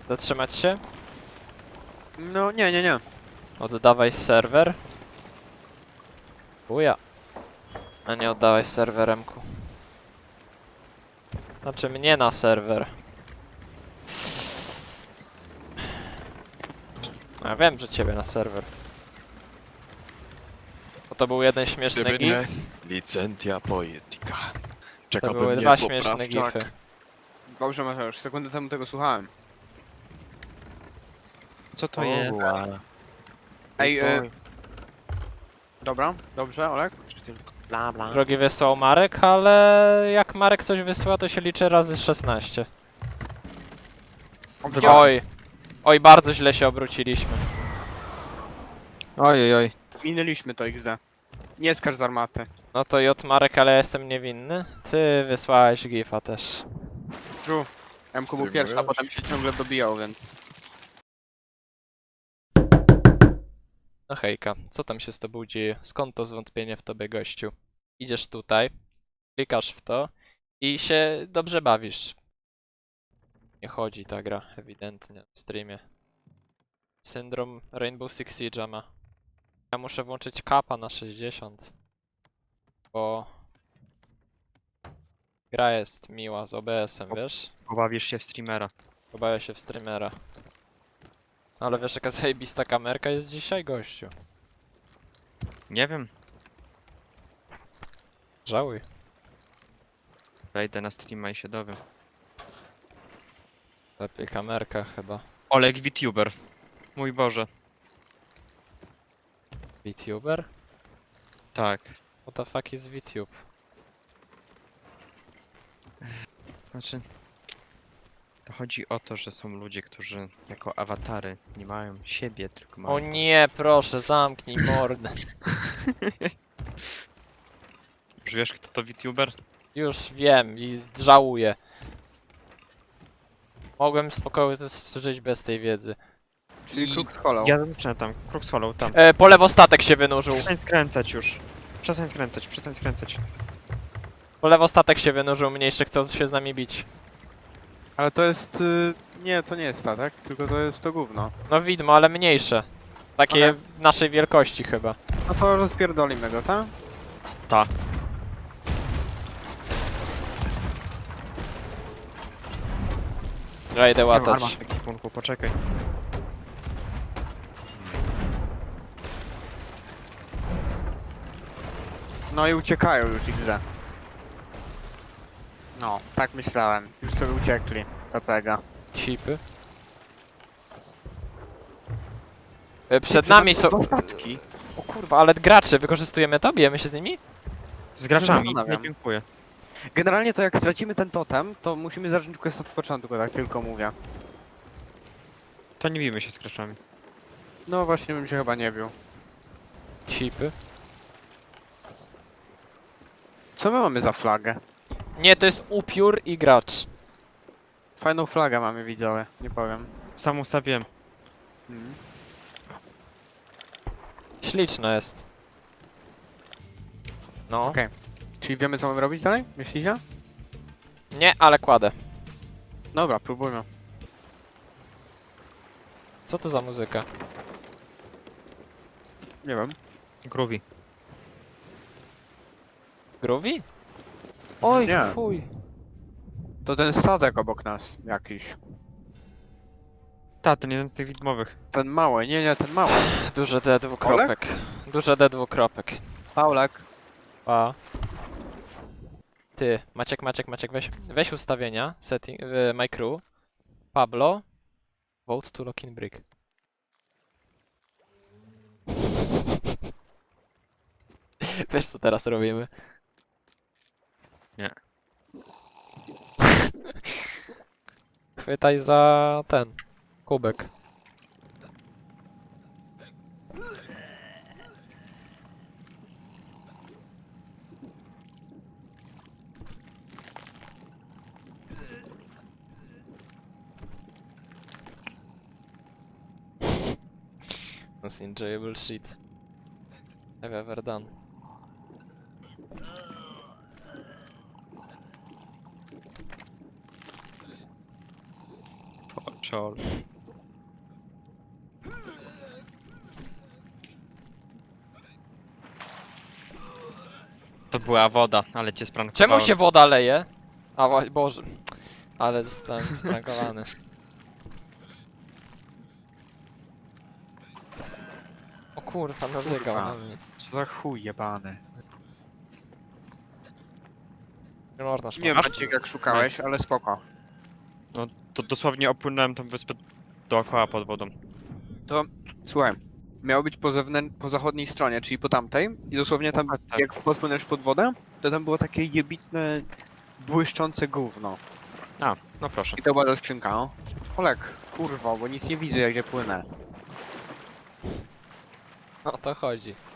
Zatrzymać się? No nie. Oddawaj serwer. Uja. A nie oddawaj serweremku. Znaczy mnie na serwer. Ja wiem, że ciebie na serwer. Bo to był jeden śmieszny Gdyby nie gif. licentia poetica. To Czekałbym były mnie dwa śmieszne poprawczak. gify. Dobrze, Mateusz, sekundę temu tego słuchałem. Co to jest? Ej, dobra, dobrze, Olek? Czy tylko... Bla bla. Drogi wysłał Marek, ale jak Marek coś wysyła, to się liczy razy 16. Oj. Oj, bardzo źle się obróciliśmy. Oj. Minęliśmy to XD. Nie skarż z armaty. No to J Marek, ale ja jestem niewinny. Ty wysłałeś gifa też. True. MQ był pierwszy, a Streamujesz? potem się ciągle dobijał, więc... No hejka, co tam się z tobą dzieje? Skąd to zwątpienie w tobie, gościu? Idziesz tutaj, klikasz w to i się dobrze bawisz. Nie chodzi ta gra, ewidentnie, w streamie. Syndrom Rainbow Six Siege'a ma. Ja muszę włączyć kapa na 60. Bo... gra jest miła z OBS-em, wiesz? Pobawisz się w streamera. Obawiam się w streamera. Ale wiesz jaka zajebista kamerka jest dzisiaj, gościu? Nie wiem. Żałuj. Wejdę na streama i się dowiem. Lepiej kamerka chyba. Oleg VTuber. Mój Boże. VTuber? Tak. What the fuck is VTube? Znaczy... To chodzi o to, że są ludzie, którzy jako awatary nie mają siebie, tylko mają... O nie, proszę, zamknij mordę. Już wiesz, kto to VTuber? Już wiem i żałuję. Mogłem spokojnie żyć bez tej wiedzy. Czyli kruk z kolą. Ja zaczynam tam. Kruk z hollow, tam. Po lewo statek się wynurzył. Przestań skręcać już. Przestań skręcać. Po lewo statek się wynurzył, mniejszy chcą się z nami bić. Ale to jest... Nie, to nie jest statek, tylko to jest to gówno. No widmo, ale mniejsze. Takie Okej. naszej wielkości chyba. No to rozpierdolimy go, tak? Ta. Ja idę Nie mam łatać. armat w ekwipunku, poczekaj. No i uciekają już XD. No, tak myślałem. Już sobie uciekli. PPG. Cipy. Przed nami są... Dwa statki. O kurwa, ale gracze, wykorzystujemy to? Bijemy się z nimi? Z graczami, nie zastanawiam. dziękuję. Generalnie to jak stracimy ten totem, to musimy zacząć quest od początku, tak tylko mówię. To nie bijmy się z graczami. No właśnie bym się chyba nie bił. Cipy. Co my mamy za flagę? Nie, to jest upiór i gracz. Fajną flagę mamy, widzowie, nie powiem. Sam ustawiłem. Mhm. Śliczne jest. No. Okej. Czyli wiemy co mamy robić dalej? Myślicie? Nie, ale kładę. Dobra, próbujmy. Co to za muzyka? Nie wiem. Groovy. Groovy? Oj, Nie. fuj. To ten statek obok nas jakiś. Ta, ten jeden z tych widmowych. Ten mały, nie, ten mały. Duże D dwukropek. Duże D dwukropek. Paulek. A. Ty, Maciek, weź ustawienia, setting, my crew. Pablo. Vote to lock in brick. Wiesz co teraz robimy? Nie. Chwytaj za ten kubek. Most enjoyable shit I've ever done. Czol. To była woda, ale cię sprankowałem. Czemu się woda leje? A Boże. Ale zostałem sprankowany. O kurwa, nazygał Kurwa. na mnie. Co za chuj jebany. Nie można Nie szukać. Maciek jak szukałeś, ale spoko. To dosłownie opłynąłem tą wyspę dookoła pod wodą. Słuchaj, miało być po zachodniej stronie, czyli po tamtej i dosłownie tam, Tak. jak podpłynąłeś pod wodę, to tam było takie jebitne, błyszczące gówno. A, no proszę. I to była ta skrzynka, no. Olek, kurwa, bo nic nie widzę, jak ja płynę. O to chodzi.